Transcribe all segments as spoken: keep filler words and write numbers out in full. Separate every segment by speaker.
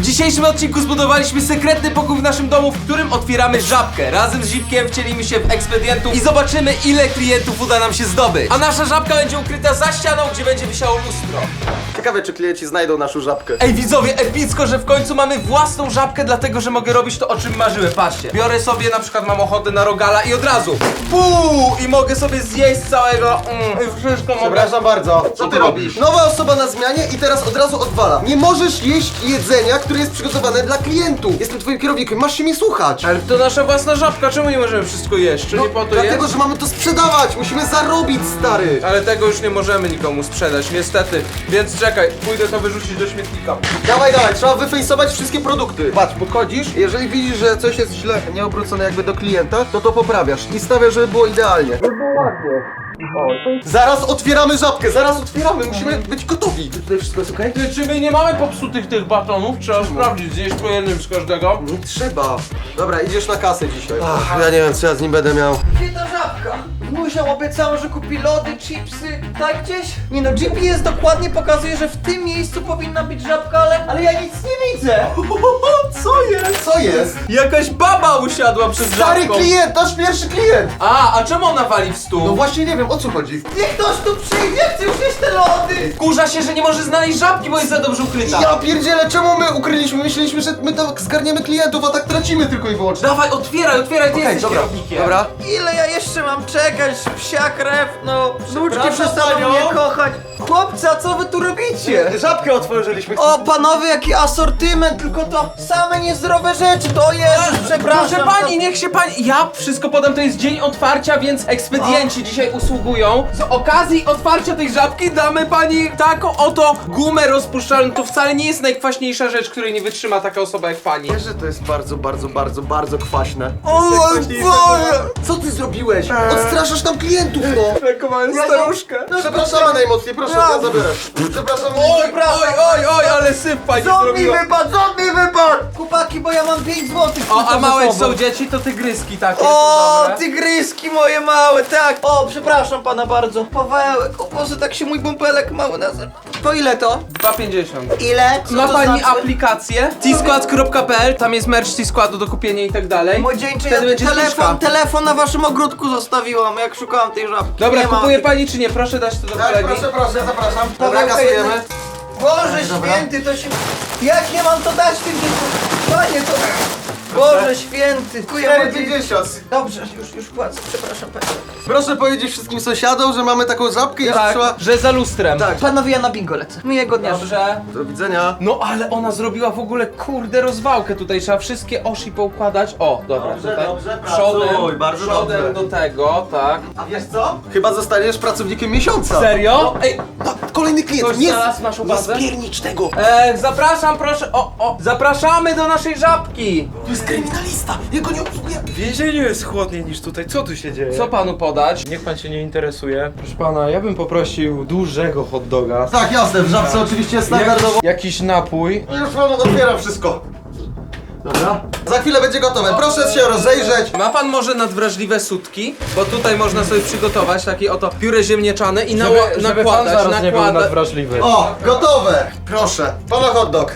Speaker 1: dzisiejszym odcinku zbudowaliśmy sekretny pokój w naszym domu, w którym otwieramy żabkę. Razem z Zipkiem wcielimy się w ekspedientów i zobaczymy, ile klientów uda nam się zdobyć. A nasza żabka będzie ukryta za ścianą, gdzie będzie wisiało lustro.
Speaker 2: Ciekawe, czy klienci znajdą naszą żabkę.
Speaker 1: Ej widzowie, epicko, że w końcu mamy własną żabkę, dlatego że mogę robić to, o czym marzyłem. Patrzcie, biorę sobie, na przykład mam ochotę na rogala i od razu puu, i mogę sobie zjeść całego mm, i wszystko mogę.
Speaker 2: Przepraszam bardzo. Co ty robisz? Nowa osoba na zmianie i teraz od razu odwala. Nie możesz jeść jedzenia, które jest przygotowane dla klientów. Jestem twoim kierownikiem, masz się mnie słuchać.
Speaker 1: Ale to nasza własna żabka, czemu nie możemy wszystko jeść? Czy
Speaker 2: No,
Speaker 1: nie po to
Speaker 2: dlatego,
Speaker 1: jest?
Speaker 2: że mamy to sprzedawać. Musimy zarobić, stary.
Speaker 1: Ale tego już nie możemy nikomu sprzedać, niestety. Więc czekaj, pójdę to wyrzucić do śmietnika.
Speaker 2: Dawaj, dawaj, trzeba wyfejsować wszystkie produkty. Patrz, podchodzisz, jeżeli widzisz, że coś jest źle, nie obrócone jakby do klienta, to to poprawiasz i stawiasz, żeby było idealnie. Żeby było ładnie. Zaraz otwieramy żabkę, zaraz otwieramy, musimy być gotowi. Tutaj wszystko jest okej?
Speaker 1: Ty, czy my nie mamy popsutych tych batonów? Trzeba sprawdzić, zjeść po jednym z każdego.
Speaker 2: Nie trzeba. Dobra, idziesz na kasę dzisiaj. Ach, ja nie wiem, co ja z nim będę miał.
Speaker 3: Gdzie ta żabka? Musia obiecała, że kupi lody, chipsy, tak gdzieś? Nie no, G P S dokładnie pokazuje, że w tym miejscu powinna być żabka, ale, ale ja nic nie widzę.
Speaker 1: Co jest?
Speaker 2: Co jest?
Speaker 1: Jakaś baba usiadła przed
Speaker 2: Stary
Speaker 1: żabką.
Speaker 2: klient, nasz pierwszy klient!
Speaker 1: A, a czemu ona wali w stół?
Speaker 2: No właśnie nie wiem, o co chodzi.
Speaker 3: Niech ktoś tu przyjdzie, chcę już jeść te lody.
Speaker 1: Wkurza się, że nie może znaleźć żabki, bo jest za dobrze ukryta.
Speaker 2: Ja pierdzielę, czemu my ukryliśmy? Myśleliśmy, że my tak zgarniemy klientów, a tak tracimy tylko i wyłącznie.
Speaker 1: Dawaj, otwieraj, otwieraj, ty jesteś
Speaker 2: dobra,
Speaker 1: kierownikiem.
Speaker 2: dobra.
Speaker 3: Ile ja jeszcze mam czekać? Psia krew, no. Wnuczki przestaną
Speaker 2: panią.
Speaker 3: mnie kochać. Chłopcy, a co wy tu robicie?
Speaker 2: Żabkę otworzyliśmy.
Speaker 3: O, panowie, jaki asortyment, tylko to same niezdrowe rzeczy, to jest, przepraszam.
Speaker 1: Proszę pani, niech się pani... Ja wszystko podam, to jest dzień otwarcia, więc ekspedienci dzisiaj usługują. Z okazji otwarcia tej żabki damy pani taką oto gumę rozpuszczalną. To wcale nie jest najkwaśniejsza rzecz, której nie wytrzyma taka osoba jak pani.
Speaker 2: Wiesz, że to jest bardzo, bardzo, bardzo, bardzo kwaśne.
Speaker 3: O, Boże!
Speaker 2: Co ty zrobiłeś? Odstraszasz tam klientów, no.
Speaker 1: Lekowałem staruszkę.
Speaker 2: Przepraszamy najmocniej, proszę, ja zabiorę. Przepraszam.
Speaker 1: Oj, oj, oj, oj, ale syp pani
Speaker 3: Co mi
Speaker 1: zrobiła.
Speaker 3: wypadł, co mi wypadł? Chłopaki, bo ja mam pięć złotych.
Speaker 1: O,
Speaker 3: tylko
Speaker 1: a
Speaker 3: ze
Speaker 1: małe
Speaker 3: sobą.
Speaker 1: są dzieci, to tygryski takie.
Speaker 3: O,
Speaker 1: to dobre.
Speaker 3: tygryski moje małe, tak. O, przepraszam pana bardzo. Pawełek, o Boże, tak się mój bąbelek mały nazywa. Po ile to?
Speaker 1: dwa pięćdziesiąt.
Speaker 3: Ile? Co
Speaker 1: Ma
Speaker 3: to
Speaker 1: pani
Speaker 3: znaczy?
Speaker 1: aplikację t skład kropka p l, tam jest merch T-Składu do kupienia i tak dalej.
Speaker 3: Młodzieńczy,
Speaker 1: Wtedy
Speaker 3: ja
Speaker 1: będzie
Speaker 3: telefon,
Speaker 1: zniżka.
Speaker 3: telefon na waszym ogródku zostawiłam, jak szukałam tej żabki.
Speaker 1: Dobra,
Speaker 3: Nie ma.
Speaker 1: kupuje pani czy nie? Proszę dać to do
Speaker 2: Tak,
Speaker 1: kolegi.
Speaker 2: proszę, proszę, zapraszam. Dobra,
Speaker 3: Pawełka,
Speaker 2: kasujemy.
Speaker 3: jednak- Boże
Speaker 2: Dobra.
Speaker 3: święty, to się... Jak nie mam to dać tym dzieciom? Panie, to... Boże święty. Dziękuję
Speaker 2: cztery
Speaker 3: młodzieńczy.
Speaker 2: pięćdziesiąt.
Speaker 3: Dobrze, już, już płacę, przepraszam panie.
Speaker 2: Proszę powiedzieć wszystkim sąsiadom, że mamy taką żabkę i że
Speaker 1: Tak,
Speaker 2: trzeba...
Speaker 1: że za lustrem.
Speaker 2: Tak.
Speaker 3: Panowie, ja na bingo lecę. Miłego dnia.
Speaker 1: Dobrze.
Speaker 2: Do widzenia.
Speaker 1: No ale ona zrobiła w ogóle kurde rozwałkę tutaj, trzeba wszystkie osi poukładać. O, dobra,
Speaker 2: Dobrze,
Speaker 1: tutaj.
Speaker 2: dobrze,
Speaker 1: przodem,
Speaker 2: pracuj, bardzo
Speaker 1: przodem
Speaker 2: dobrze.
Speaker 1: do tego, tak.
Speaker 2: A wiesz co? Chyba zostaniesz pracownikiem miesiąca.
Speaker 1: Serio? Ej,
Speaker 2: Pa, kolejny klient,
Speaker 1: ktoś
Speaker 2: nie,
Speaker 1: znalazł naszą
Speaker 2: nie
Speaker 1: bazę?
Speaker 2: spiernicz tego.
Speaker 1: E, zapraszam, proszę, o, o, zapraszamy do naszej żabki.
Speaker 2: To jest kryminalista, jego nie obsługuje.
Speaker 4: W więzieniu jest chłodniej niż tutaj. Co tu się dzieje?
Speaker 1: Co panu podać?
Speaker 4: Niech pan się nie interesuje. Proszę pana, ja bym poprosił dużego hot doga.
Speaker 2: Tak, jasne, w żabce oczywiście standardowo.
Speaker 4: Jakiś napój.
Speaker 2: No już panu otwieram wszystko. Dobra. Za chwilę będzie gotowe, proszę się rozejrzeć.
Speaker 1: Ma pan może nadwrażliwe sutki? Bo tutaj można sobie przygotować takie oto pióre ziemniaczane i nało-
Speaker 4: Żeby, żeby pan
Speaker 1: nakładać,
Speaker 4: zaraz nie był
Speaker 1: nakładać.
Speaker 4: nadwrażliwy.
Speaker 2: O, gotowe. Proszę, pana hot dog.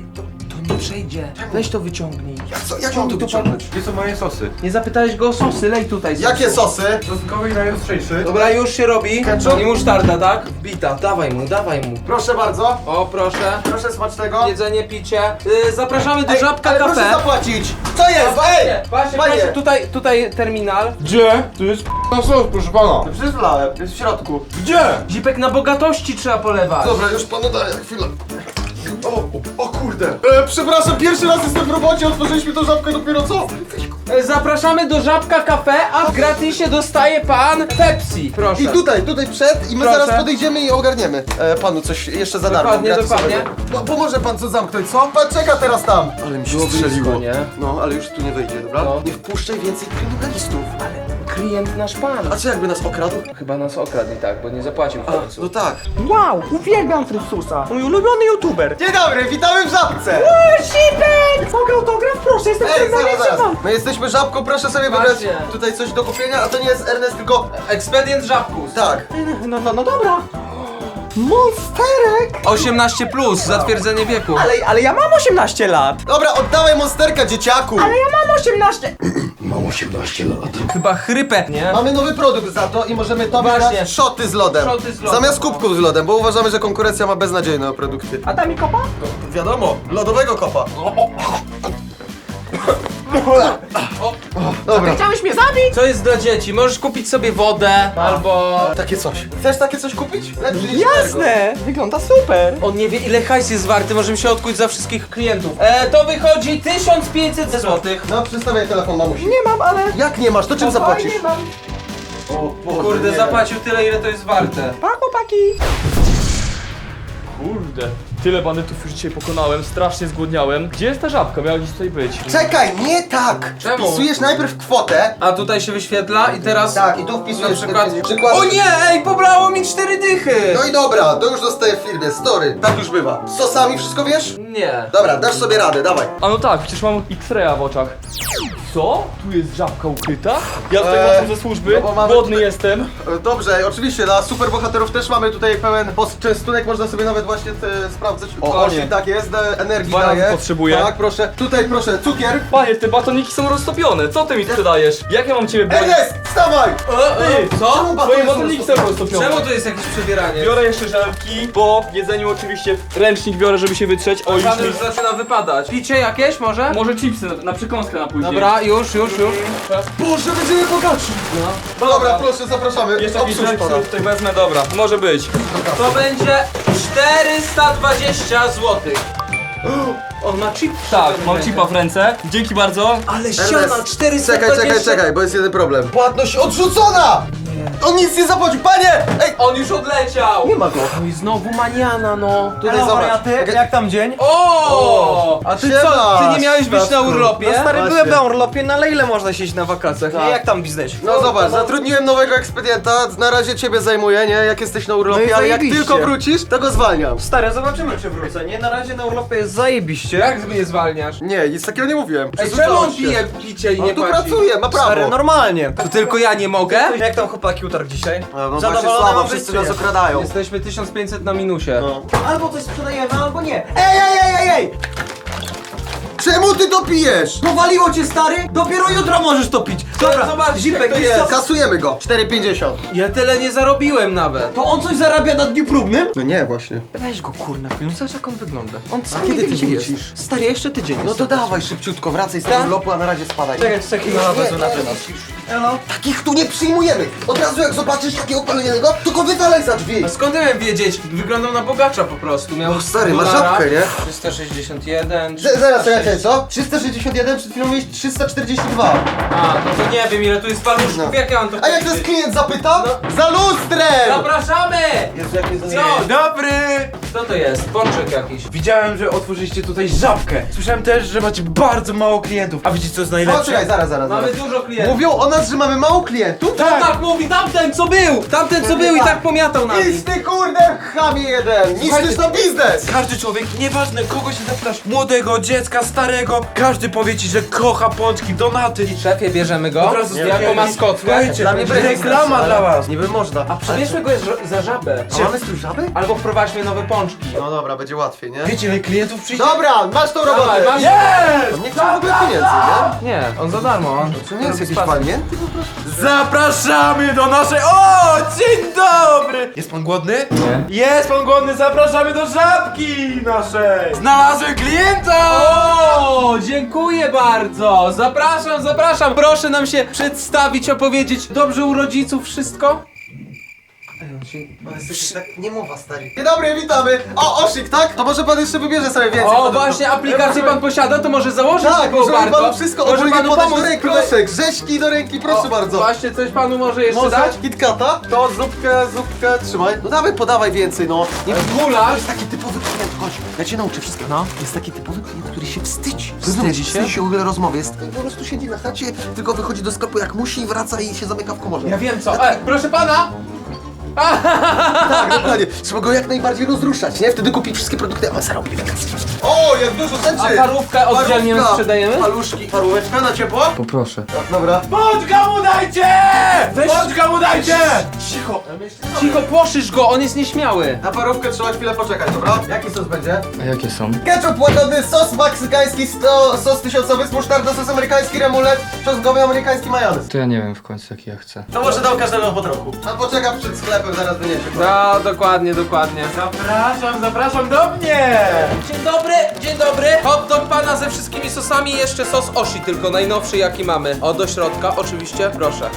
Speaker 1: To nie przejdzie. Weź to wyciągnij.
Speaker 2: Co, jak mam to wyciągnąć?
Speaker 4: Gdzie są moje sosy?
Speaker 1: Nie zapytałeś go o sosy, lej tutaj.
Speaker 2: Jakie sosy?
Speaker 4: Czosnkowy i najostrzejszy.
Speaker 1: Dobra, już się robi.
Speaker 2: Ketchup?
Speaker 1: I musztarda, tak? Wbita. Dawaj mu, dawaj mu.
Speaker 2: Proszę bardzo.
Speaker 1: O, proszę.
Speaker 2: Proszę smacznego.
Speaker 1: Jedzenie, picie. Yy, zapraszamy do
Speaker 2: Ej,
Speaker 1: Żabka
Speaker 2: ale proszę
Speaker 1: Cafe.
Speaker 2: zapłacić. Co jest? Ej!
Speaker 1: Właśnie,
Speaker 2: Panie.
Speaker 1: proszę, tutaj, tutaj terminal.
Speaker 4: Gdzie? Tu jest na sos, proszę pana.
Speaker 2: Przecież wlałem, jest w środku.
Speaker 4: Gdzie?
Speaker 1: Zipek na bogatości trzeba polewać.
Speaker 2: Dobra, już panu daję, chwilę. O, o, o kurde. E, przepraszam, pierwszy raz jestem w robocie, otworzyliśmy tą żabkę dopiero co?
Speaker 1: E, Zapraszamy do Żabka Cafe, a w gratisie dostaje pan Pepsi. Proszę.
Speaker 2: I tutaj, tutaj przed i my
Speaker 1: Proszę.
Speaker 2: zaraz podejdziemy i ogarniemy e, panu coś jeszcze za darmo.
Speaker 1: Dokładnie,
Speaker 2: gratisowego.
Speaker 1: dokładnie.
Speaker 2: No, pomoże pan co zamknąć, co? Pan czeka teraz tam. Ale mi się
Speaker 1: Było
Speaker 2: strzeliło.
Speaker 1: blisko, nie?
Speaker 2: No, ale już tu nie wejdzie, dobra?
Speaker 1: No.
Speaker 2: Nie wpuszczaj więcej kryminalistów.
Speaker 1: Klient nasz pan.
Speaker 2: A co jakby nas okradł?
Speaker 1: Chyba nas okradł i tak, bo nie zapłacił w
Speaker 2: A,
Speaker 1: końcu.
Speaker 2: no tak.
Speaker 5: Wow, uwielbiam Frysusa. Mój ulubiony youtuber.
Speaker 2: Dzień dobry, witamy w żabce!
Speaker 5: Sipek! Mogę autograf? Proszę, jestem
Speaker 2: Ej, zaraz, zaraz.
Speaker 5: kryminalistą.
Speaker 2: My jesteśmy żabką, proszę sobie wybrać
Speaker 1: Właśnie.
Speaker 2: tutaj coś do kupienia, a to nie jest Ernest, tylko...
Speaker 1: Ekspedient Żabkus.
Speaker 2: Tak.
Speaker 5: No, no, no dobra.
Speaker 2: Monsterek!
Speaker 1: osiemnaście plus, zatwierdzenie wieku.
Speaker 5: Ale, ale ja mam osiemnaście lat.
Speaker 2: Dobra, oddawaj monsterka, dzieciaku!
Speaker 5: Ale ja mam osiemnaście.
Speaker 1: Chyba chrypę, nie?
Speaker 2: Mamy nowy produkt za to i możemy to
Speaker 1: Właśnie.
Speaker 2: wybrać szoty z lodem.
Speaker 1: Szoty z lodem,
Speaker 2: Zamiast
Speaker 1: no.
Speaker 2: kubków z lodem, bo uważamy, że konkurencja ma beznadziejne produkty.
Speaker 5: A da mi kopa?
Speaker 2: Wiadomo, lodowego kopa. Dobra,
Speaker 5: Chciałeś mnie zabić?
Speaker 1: Co jest dla dzieci? Możesz kupić sobie wodę, albo...
Speaker 2: takie coś. Chcesz takie coś kupić? Lepszy niż
Speaker 5: Jasne, wygląda super.
Speaker 1: On nie wie, ile hajs jest warty, możemy się odkuć za wszystkich klientów. E, to wychodzi tysiąc pięćset złotych.
Speaker 2: No, przystawiaj telefon mamusi.
Speaker 5: Nie mam, ale...
Speaker 2: Jak nie masz, to czym zapłacisz?
Speaker 5: Nie mam.
Speaker 2: O Boże,
Speaker 1: Kurde,
Speaker 2: nie.
Speaker 1: zapłacił tyle, ile to jest warte.
Speaker 5: Pa, chłopaki.
Speaker 6: Kurde, tyle bandytów już dzisiaj pokonałem, strasznie zgłodniałem. Gdzie jest ta żabka? Miała gdzieś tutaj być.
Speaker 2: Czekaj, nie tak!
Speaker 1: Czemu?
Speaker 2: Wpisujesz najpierw kwotę.
Speaker 1: A tutaj się wyświetla i teraz...
Speaker 2: Tak, i tu wpisujesz
Speaker 1: Na przykład...
Speaker 2: ten przykład.
Speaker 1: O nie, ej, pobrało mi cztery dychy!
Speaker 2: No i dobra, to już zostaje w firmie, story. Tak już bywa. Z sosami wszystko wiesz?
Speaker 1: Nie.
Speaker 2: Dobra, dasz sobie radę, dawaj.
Speaker 6: A no tak, przecież mam X-raya w oczach. Co? Tu jest żabka ukryta? Ja tutaj
Speaker 2: Eee,
Speaker 6: wracam ze służby,
Speaker 2: no bo mamy
Speaker 6: głodny
Speaker 2: tutaj-
Speaker 6: jestem.
Speaker 2: E, Dobrze, oczywiście dla superbohaterów też mamy tutaj pełen poczęstunek, można sobie nawet właśnie te, sprawdzać.
Speaker 6: O,
Speaker 2: O,
Speaker 6: nie.
Speaker 2: tak jest, e, energii
Speaker 6: Dwa razy
Speaker 2: daje.
Speaker 6: potrzebuję.
Speaker 2: Tak, proszę. Tutaj proszę, cukier.
Speaker 6: Panie, te batoniki są roztopione, co ty mi sprzedajesz? Jak ja mam ciebie bronić?
Speaker 2: Ernest, wstawaj!
Speaker 6: Ty,
Speaker 1: Co?
Speaker 2: Czemu
Speaker 6: Twoje
Speaker 2: batony są
Speaker 6: batoniki są roztopione.
Speaker 1: Czemu to jest jakieś przebieranie?
Speaker 6: Biorę jeszcze żelki, po jedzeniu oczywiście ręcznik biorę, żeby się wytrzeć. O, już
Speaker 1: Pan
Speaker 6: mi...
Speaker 1: już zaczyna wypadać. Picie jakieś może?
Speaker 6: Może chipsy na, na przekąskę na później.
Speaker 1: Dobra, już, już, już.
Speaker 2: Boże, będziemy bogaci! No. Dobra, proszę, zapraszamy.
Speaker 6: Jeszcze jakiś
Speaker 2: Obsłuż
Speaker 6: żelki
Speaker 2: pana.
Speaker 6: tutaj wezmę, dobra, może być.
Speaker 1: To będzie czterysta dwadzieścia złotych. On ma chip.
Speaker 6: Tak, mam chipa w ręce. Dzięki bardzo.
Speaker 1: Ale siana,
Speaker 2: Ernest,
Speaker 1: czterysta
Speaker 2: Czekaj,
Speaker 1: dwadzieścia.
Speaker 2: czekaj, czekaj, bo jest jeden problem. Płatność odrzucona! On nic nie zapłacił, panie! Ej!
Speaker 1: On już odleciał.
Speaker 2: Nie ma go.
Speaker 1: No i znowu maniana, no.
Speaker 2: Tutaj zobacz.
Speaker 5: jak tam dzień?
Speaker 1: O! A ty
Speaker 2: Siema,
Speaker 1: co? Ty nie miałeś być na
Speaker 2: Stawku.
Speaker 1: urlopie?
Speaker 5: No stary,
Speaker 2: Właśnie.
Speaker 5: byłem na urlopie, no ale ile można siedzieć na wakacjach,
Speaker 2: Tak.
Speaker 5: nie? Jak tam biznes?
Speaker 2: No zobacz, zatrudniłem nowego ekspedienta, na razie ciebie zajmuję, nie? Jak jesteś na urlopie,
Speaker 5: No i
Speaker 2: ale jak
Speaker 5: zajebiście.
Speaker 2: tylko wrócisz, to go zwalniam.
Speaker 5: Stary, zobaczymy czy wrócę, nie? Na razie na urlopie jest zajebiście.
Speaker 1: Jak mnie zwalniasz?
Speaker 2: Nie, nic takiego nie mówiłem.
Speaker 1: Ej,
Speaker 2: Przyzwyczaiłem
Speaker 1: czemu on
Speaker 2: się.
Speaker 1: pije picie i
Speaker 2: On
Speaker 1: nie
Speaker 2: tu
Speaker 1: płaci?
Speaker 2: pracuje, ma prawo.
Speaker 5: Stary, normalnie.
Speaker 1: To tylko ja nie mogę?
Speaker 5: Jak tam chłopaki utarg dzisiaj?
Speaker 2: No, no
Speaker 5: Zadowolony
Speaker 2: właśnie słabo,
Speaker 5: mam
Speaker 2: wszyscy
Speaker 5: być,
Speaker 2: nas
Speaker 5: czy nie?
Speaker 2: okradają.
Speaker 1: Jesteśmy tysiąc pięćset na minusie.
Speaker 2: No.
Speaker 5: Albo coś sprzedajemy, albo nie. Ej, ej, ej, ej, ej!
Speaker 2: Czemu ty to pijesz?
Speaker 5: Powaliło cię, stary? Dopiero jutro możesz to pić. Dobra,
Speaker 1: zobacz,
Speaker 5: Zipek,
Speaker 1: jak to
Speaker 5: wiesz
Speaker 1: jest.
Speaker 5: co?
Speaker 2: Kasujemy go. cztery pięćdziesiąt.
Speaker 1: Ja tyle nie zarobiłem nawet.
Speaker 5: To on coś zarabia na dniu próbnym?
Speaker 2: No nie, właśnie.
Speaker 5: Weź go, kurna, film, zobacz jak on wygląda. On
Speaker 2: A kiedy ty wrócisz?
Speaker 5: Stary, jeszcze tydzień.
Speaker 2: No to dawaj szybciutko, wracaj z
Speaker 5: Tak?
Speaker 2: tego urlopu, a na razie spadaj.
Speaker 5: Czekaj, czekaj, no,
Speaker 2: Nie,
Speaker 5: wezmę na
Speaker 2: nie,
Speaker 5: ten. Elo?
Speaker 2: Takich tu nie przyjmujemy. Od razu jak zobaczysz takiego kolejnego, tylko wywalaj za drzwi.
Speaker 1: A skąd ja miałem wiedzieć? Wyglądał na bogacza po prostu. Miał
Speaker 2: O, stary, ma
Speaker 1: dolara,
Speaker 2: żabkę, nie?
Speaker 1: trzysta sześćdziesiąt jeden.
Speaker 2: Z- Zaraz, czekaj, co? trzysta sześćdziesiąt jeden, przed chwilą miałeś trzysta czterdzieści dwa.
Speaker 1: A, no to nie wiem ile tu jest paluszków,
Speaker 2: No.
Speaker 1: jak ja mam to
Speaker 2: A jak nas
Speaker 1: powiedzieć?
Speaker 2: klient zapyta? Za lustrem!
Speaker 1: Zapraszamy!
Speaker 2: Jezu, jak mnie
Speaker 1: Co?
Speaker 2: zaznaje.
Speaker 5: Dobry!
Speaker 1: Co to jest? Pączek jakiś.
Speaker 5: Widziałem, że otworzyliście tutaj żabkę. Słyszałem też, że macie bardzo mało klientów. A wiecie co jest
Speaker 2: O,
Speaker 5: najlepsze?
Speaker 2: czekaj, zaraz, zaraz,
Speaker 1: Mamy
Speaker 2: zaraz.
Speaker 1: dużo klientów.
Speaker 2: Mówią o nas, że mamy mało klientów?
Speaker 1: Tak, tak mówi tamten co był! Tamten co był i tak pomiatał nami.
Speaker 2: Idź ty kurde, chamie jeden! Niszczysz nam biznes!
Speaker 5: Każdy człowiek, nieważne kogo się zapytasz, młodego, dziecka, starego, każdy powie ci, że kocha pączki, donaty.
Speaker 1: Szefie, bierzemy go
Speaker 5: Od razu
Speaker 1: jako
Speaker 5: zbieramy.
Speaker 1: maskotkę.
Speaker 5: Słuchajcie,
Speaker 2: Dla mnie
Speaker 5: reklama
Speaker 2: ale-
Speaker 5: dla was.
Speaker 2: Niby można.
Speaker 1: A przebierzmy go za- za żabę.
Speaker 2: A mamy tu żaby?
Speaker 1: Albo wprowadźmy nowe pączki.
Speaker 2: No dobra, będzie łatwiej, nie?
Speaker 5: Wiecie ile klientów przyjdzie?
Speaker 2: Dobra, masz tą robotę!
Speaker 1: Dawaj, masz-
Speaker 5: Jest!
Speaker 2: On nie chce w ogóle pieniędzy, nie?
Speaker 1: Nie, on za darmo. On
Speaker 2: To nie jest jakiś palnięty?
Speaker 5: Zapraszamy do naszej... O! Dzień dobry! Jest pan głodny? Nie. Jest pan głodny, zapraszamy do żabki naszej! Znalazłem klienta!
Speaker 1: O, dziękuję bardzo! Zapraszam, zapraszam! Proszę nam się przedstawić, opowiedzieć. Dobrze u rodziców wszystko?
Speaker 2: Tak nie mowa, stary. Dzień dobry, witamy! O, Osik, tak? To może pan jeszcze wybierze sobie więcej.
Speaker 1: O,
Speaker 2: Pan-
Speaker 1: właśnie, aplikację pan posiada, to może założyć
Speaker 2: Tak,
Speaker 1: taką
Speaker 2: możemy
Speaker 1: warto.
Speaker 2: panu wszystko
Speaker 1: Może
Speaker 2: ogólnie
Speaker 1: panu
Speaker 2: podać
Speaker 1: pomóc.
Speaker 2: do ręki. Proszę, grześki do ręki, proszę
Speaker 1: O,
Speaker 2: bardzo.
Speaker 1: Właśnie, coś panu może jeszcze
Speaker 2: Może
Speaker 1: dać?
Speaker 2: KitKata? To zupkę, zupkę, trzymaj. No dawaj, podawaj więcej, no. Nie To
Speaker 1: Gulasz?
Speaker 2: jest taki typowy klient, chodź, ja cię nauczę wszystkiego.
Speaker 1: No.
Speaker 2: Jest taki typowy klient, który się wstydzi.
Speaker 1: Wstydzi się?
Speaker 2: Wstydzi się w ogóle rozmowy. Jest, po prostu siedzi na chacie, tylko wychodzi do sklepu jak musi i wraca i się zamyka w komorze.
Speaker 1: Ja wiem co. E, proszę pana!
Speaker 2: Tak, dokładnie. Trzeba go jak najbardziej rozruszać, nie? Wtedy kupi wszystkie produkty, a on zarobi na kasę. O, jak dużo rzeczy!
Speaker 1: A parówkę oddzielnie
Speaker 2: Parówka.
Speaker 1: sprzedajemy?
Speaker 2: Paluszki. Paróweczka na ciepło?
Speaker 1: Poproszę.
Speaker 2: Tak, dobra.
Speaker 5: Bączka mu dajcie! Bączka mu dajcie!
Speaker 2: Cicho.
Speaker 1: Cicho, płoszysz go, on jest nieśmiały.
Speaker 2: Na parówkę trzeba chwilę poczekać, dobra? Jaki sos będzie?
Speaker 6: A jakie są?
Speaker 2: Ketchup łagodny, sos meksykański, sto, sos tysiącowy, z musztardą, sos amerykański, remulet, czosnkowy amerykański majonez.
Speaker 6: To ja nie wiem w końcu jaki ja chcę.
Speaker 2: To może dam każdego po trochu. A poczekam przed sklepem, zaraz wyniesie.
Speaker 1: No, dokładnie, dokładnie.
Speaker 5: Zapraszam, zapraszam do mnie!
Speaker 1: Dzień dobry, dzień dobry. Hot dog pana ze wszystkimi sosami, jeszcze sos Oshi, tylko najnowszy jaki mamy. O, do środka, oczywiście, proszę.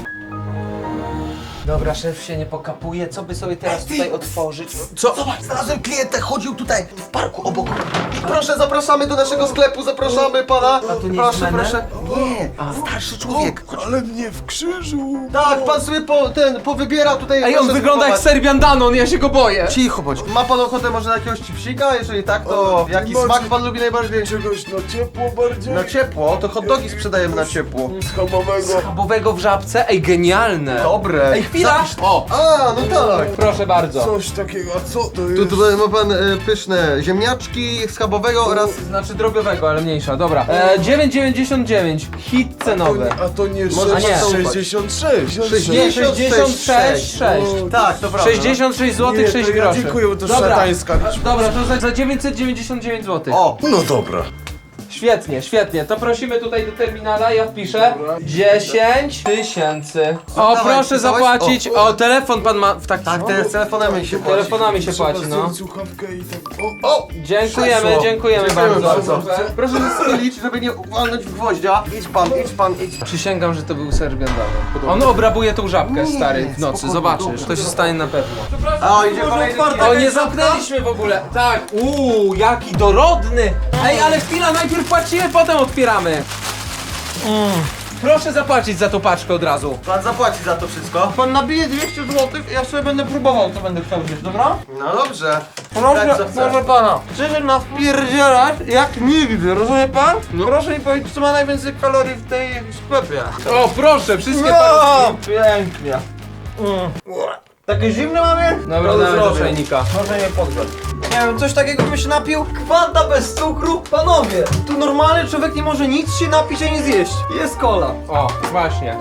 Speaker 1: Dobra, szef się nie pokapuje, co by sobie teraz tutaj otworzyć?
Speaker 2: Co? Zobacz, znalazłem klienta, chodził tutaj w parku obok. Proszę, zapraszamy do naszego sklepu, zapraszamy pana.
Speaker 1: A to nie
Speaker 2: proszę,
Speaker 1: jest menel?
Speaker 2: proszę. Nie, starszy człowiek.
Speaker 5: Ale mnie w krzyżu!
Speaker 2: Tak, pan sobie po, ten, powybierał tutaj.
Speaker 1: Ej, on
Speaker 2: proszę
Speaker 1: wygląda jak
Speaker 2: spróbować.
Speaker 1: Serbian Danon, ja się go boję.
Speaker 2: Cicho bądź. Ma pan ochotę może na jakiegoś chipsika? Jeżeli tak, to jaki
Speaker 5: bardziej-
Speaker 2: smak pan lubi najbardziej?
Speaker 5: Czegoś na ciepło bardziej?
Speaker 2: Na ciepło? To hot dogi sprzedajemy na ciepło.
Speaker 5: Schabowego.
Speaker 1: Schabowego w żabce? Ej, genialne.
Speaker 2: Dobre.
Speaker 1: Ej, chwila.
Speaker 2: Zapisz-
Speaker 1: O,
Speaker 2: A, no tak.
Speaker 1: proszę bardzo.
Speaker 5: Coś takiego, a co to
Speaker 2: Tu,
Speaker 5: jest?
Speaker 2: tu ma pan y, pyszne ziemniaczki schabowego oraz...
Speaker 1: Znaczy drobiowego, ale mniejsza, dobra. E, dziewięć dziewięćdziesiąt dziewięć, hit
Speaker 5: To
Speaker 1: cenowy.
Speaker 5: nie, a to nie
Speaker 2: Może
Speaker 1: nie.
Speaker 5: sześćdziesiąt sześć.
Speaker 1: Nie, sześćdziesiąt sześć, sześć.
Speaker 2: Tak, to prawda.
Speaker 1: sześćdziesiąt sześć
Speaker 5: Nie,
Speaker 1: złotych
Speaker 5: to
Speaker 1: sześć
Speaker 5: ja
Speaker 1: groszy.
Speaker 5: dziękuję, bo to
Speaker 1: Dobra.
Speaker 5: szatańska liczba.
Speaker 1: Dobra, to za, za dziewięćset dziewięćdziesiąt dziewięć złotych.
Speaker 2: O,
Speaker 5: No dobra.
Speaker 1: Świetnie, świetnie. To prosimy tutaj do terminala, ja wpiszę. dziesięć tysięcy. O,
Speaker 2: Dawaj,
Speaker 1: proszę
Speaker 2: wpisałeś?
Speaker 1: zapłacić. O, telefon pan ma w taki.
Speaker 2: tak, te z telefonami się płaci.
Speaker 1: Telefonami się płaci, no.
Speaker 5: Trzeba słuchawkę i tak. O,
Speaker 2: O!
Speaker 1: Dziękujemy,
Speaker 2: Przeszło.
Speaker 1: dziękujemy
Speaker 2: Dziękujemy
Speaker 1: bardzo.
Speaker 2: bardzo. Proszę się schylić, żeby nie walnąć w gwoździa. Idź pan, idź pan, idź.
Speaker 1: Przysięgam, że to był Serbian Danon. On obrabuje tą żabkę,
Speaker 2: Nie,
Speaker 1: stary, w nocy.
Speaker 2: spokojnie,
Speaker 1: Zobaczysz,
Speaker 2: dobrze.
Speaker 1: to się stanie na pewno.
Speaker 2: A, idzie kolejny
Speaker 1: O, nie zamknęliśmy w ogóle. Tak, uuu, jaki dorodny. Ej, ale chwila, najpierw płacimy, potem otwieramy. Mm. Proszę zapłacić za tą paczkę od razu.
Speaker 2: Pan zapłaci za to wszystko.
Speaker 3: Pan nabije dwieście złotych, ja sobie będę próbował, co będę chciał zjeść, dobra?
Speaker 2: No dobrze.
Speaker 3: Proszę,
Speaker 2: Tak, co chcesz.
Speaker 3: proszę pana, chcę się nawpierdzielać jak nigdy, rozumie pan? Proszę mi powiedzieć, co ma najwięcej kalorii w tej sklepie.
Speaker 1: O, proszę, wszystkie
Speaker 3: No,
Speaker 1: paczki.
Speaker 3: pięknie. Mm. Takie zimne mamy?
Speaker 1: Dobra, damy do czajnika.
Speaker 3: Może nie podgrzać. Nie wiem, coś takiego bym się napił? Kwanta bez cukru? Panowie, tu normalny człowiek nie może nic się napić, a nie zjeść. Jest cola.
Speaker 1: O, właśnie.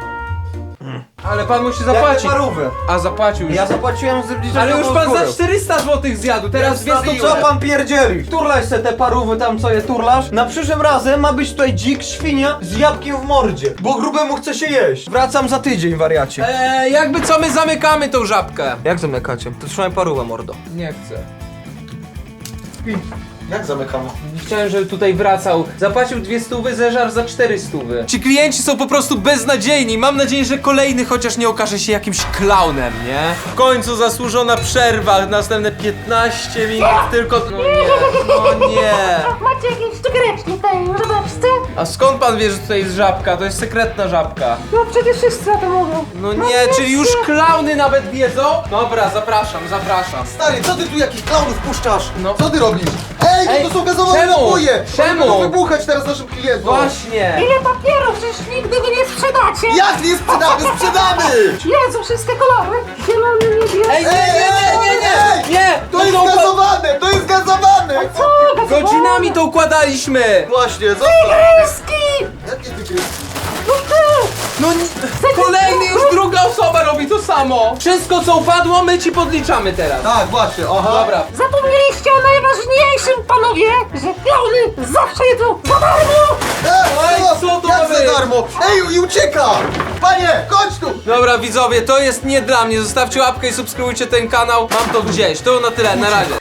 Speaker 1: Ale pan musi
Speaker 3: Jak
Speaker 1: zapłacić.
Speaker 3: te parówy.
Speaker 1: A zapłacił już.
Speaker 3: Ja zapłaciłem z bliżej.
Speaker 1: Ale już pan za czterysta złotych zjadł, teraz
Speaker 3: Wiesz
Speaker 1: dwieście
Speaker 3: co pan pierdzieli? Turlaj se te parówy tam, co je turlasz. Na przyszłym razem ma być tutaj dzik, świnia z jabłkiem w mordzie. Bo grubemu chce się jeść. Wracam za tydzień, wariacie.
Speaker 1: Eee, jakby co, my zamykamy tą żabkę.
Speaker 3: Jak zamykacie? To trzymaj parówę, mordo.
Speaker 1: Nie chcę.
Speaker 2: Jak zamykamy?
Speaker 1: Nie chciałem, żeby tutaj wracał. Zapłacił dwie stówy, zeżar za cztery stówy. Ci klienci są po prostu beznadziejni. Mam nadzieję, że kolejny chociaż nie okaże się jakimś klaunem, nie? W końcu zasłużona przerwa. Następne piętnaście minut tylko... No nie, no nie.
Speaker 7: Macie jakieś cukiereczki tutaj w żabeczce?
Speaker 1: A skąd pan wie, że tutaj jest żabka? To jest sekretna żabka.
Speaker 7: No przecież wszyscy o tym mówią.
Speaker 1: No nie, czyli już klauny nawet wiedzą? Dobra, zapraszam, zapraszam.
Speaker 2: Stary, co ty tu jakichś klaunów puszczasz?
Speaker 1: No.
Speaker 2: Co ty robisz? Ej,
Speaker 1: Ej,
Speaker 2: no to są gazowane
Speaker 1: czemu?
Speaker 2: napoje!
Speaker 1: Czemu?
Speaker 2: Będą wybuchać teraz naszym klientom!
Speaker 1: Właśnie.
Speaker 7: Ile papierów, przecież nigdy go nie sprzedacie!
Speaker 2: Jak nie sprzedamy? Sprzedamy!
Speaker 7: Jezu, wszystkie kolory! Zielony, niebieski...
Speaker 1: Ej, nie, nie, nie, nie, nie, nie!
Speaker 2: To jest
Speaker 1: to-
Speaker 2: gazowane! To jest gazowane!
Speaker 7: Co? Gazowany?
Speaker 1: Godzinami to układaliśmy!
Speaker 2: Właśnie, zostaw!
Speaker 7: Tygryski!
Speaker 2: Jakie tygryski?
Speaker 7: No ty!
Speaker 1: No nie, kolejny już druga osoba robi to samo! Wszystko co upadło, my ci podliczamy teraz.
Speaker 2: Tak, właśnie, aha.
Speaker 1: Dobra.
Speaker 7: Zapomnieliście o najważniejszym, panowie! Że klauny zawsze jedzą za darmo!
Speaker 2: Ej,
Speaker 1: co to
Speaker 2: jak
Speaker 1: ma
Speaker 2: za
Speaker 1: być?
Speaker 2: darmo? Ej, i ucieka! Panie, chodź tu!
Speaker 1: Dobra widzowie, to jest nie dla mnie. Zostawcie łapkę i subskrybujcie ten kanał. Mam to gdzieś. To na tyle, na razie.